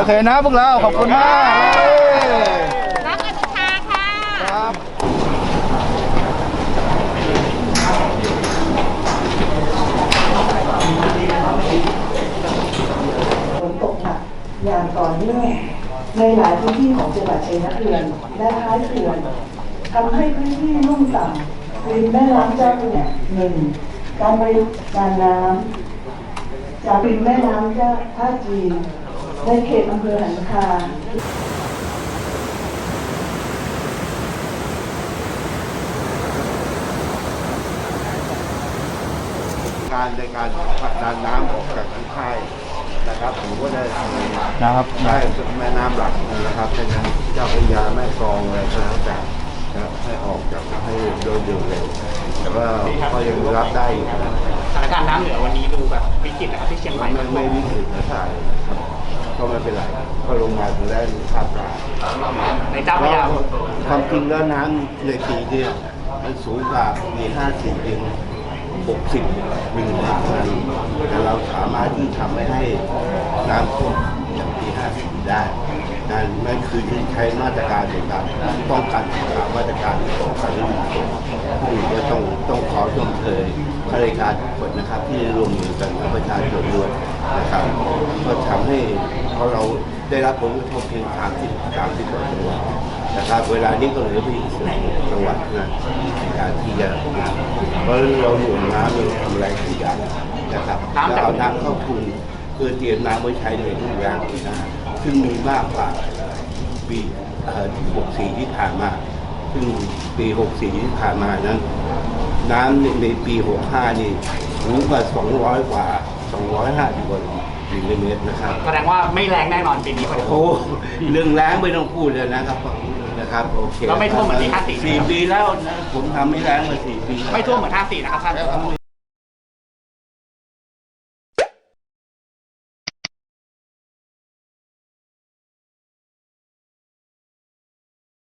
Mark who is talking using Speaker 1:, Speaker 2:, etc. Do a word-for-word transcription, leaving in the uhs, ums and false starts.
Speaker 1: โอเคนะพวกเราขอบคุณมาก
Speaker 2: รักอนุชาค่ะ
Speaker 1: ครับ
Speaker 3: ฝนตกหนักอย่างต่อเนื่องในหลายพื้นที่ของจังหวัดชัยนาทและท้ายเขื่อนทำให้พื้นที่ลุ่มต่ำริมแม่น้ำเจ้าพระยาหนึ่งการบริการน้ำจากริมแม่น้ำเจ้าท่าจีนในเขตอำเภอหันคา
Speaker 4: การในการผลักดันน้ำออกจากที่ค่ายนะครับผมก็ได้
Speaker 1: นะครับ
Speaker 4: ได้แม่น้ำหลักนะครับเช่นเจ้าพระยาแม่กลองอะไรก็แล้วแต่ให้ออกจากให้โดยเร็วแต่ว่าก็ยังรับได้อยู่
Speaker 5: สถานการณ์น้ำเหนือวันนี้ดูแบบวิกฤตนะครับที่เชียงใหม่
Speaker 4: ไม่ไม่วิกฤตนะใช่ครับก็ไม่เป็นไรก็ลงมาถึงได้ภาพกลาง
Speaker 5: ในเจ้าพระยา
Speaker 4: ความจริงแล้วน้ำในปีเดียวมันสูงกว่าปีห้าสิบปีหกสิบมิลลิเมตรนั้นแต่เราสามารถที่ทำให้ให้น้ำท่วมอย่างปีห้าสิบได้นั่นนั่นคือที่ใช้มาตรการในการป้องกันตามมาตรการของสาธารณสุขที่ก็ต้องต้องขอชมเชยข้าราชการทุกคนนะครับที่รวมมือกันกับประชาชนด้วยนะครับก็ทำให้เขาเราได้รับผลกระทบเพียงสามสิบสามสิบกว่าจังหวัดนะครับเวลานี้ก็เหลือเพียงสิบจังหวัดนะในการที่จะเพราะเราหนุนน้ำเราทำแรงทุกอย่างนะครับจะเอาน้ำเข้าทุนเพื่อเตรียมน้ำไว้ใช้ในทุกอย่างนะซึ่งมีมากกว่าปีหกสี่ที่ผ่านมาซึ่งปีหกสี่ที่ผ่านมานั้นน้ำในปีหกห้านี่สูงกว่าสองร้อยกว่าสองร้อยห้าสิบกว่ามิลลิเมตรนะครับ
Speaker 5: แสดงว่าไม่แรงแน่นอนปีนี้
Speaker 4: โอ้เรื่องแรงไม่ต้องพูดเลยนะครับนะครับโอเค
Speaker 5: เราไม่ท่วมเหมือนปีห้าสี่
Speaker 4: สี่ปีแล้วนะผมทำไม่แรงมาสี่ปี
Speaker 5: ไม่ท่วมเหมือนห้าสี่นะครับท่าน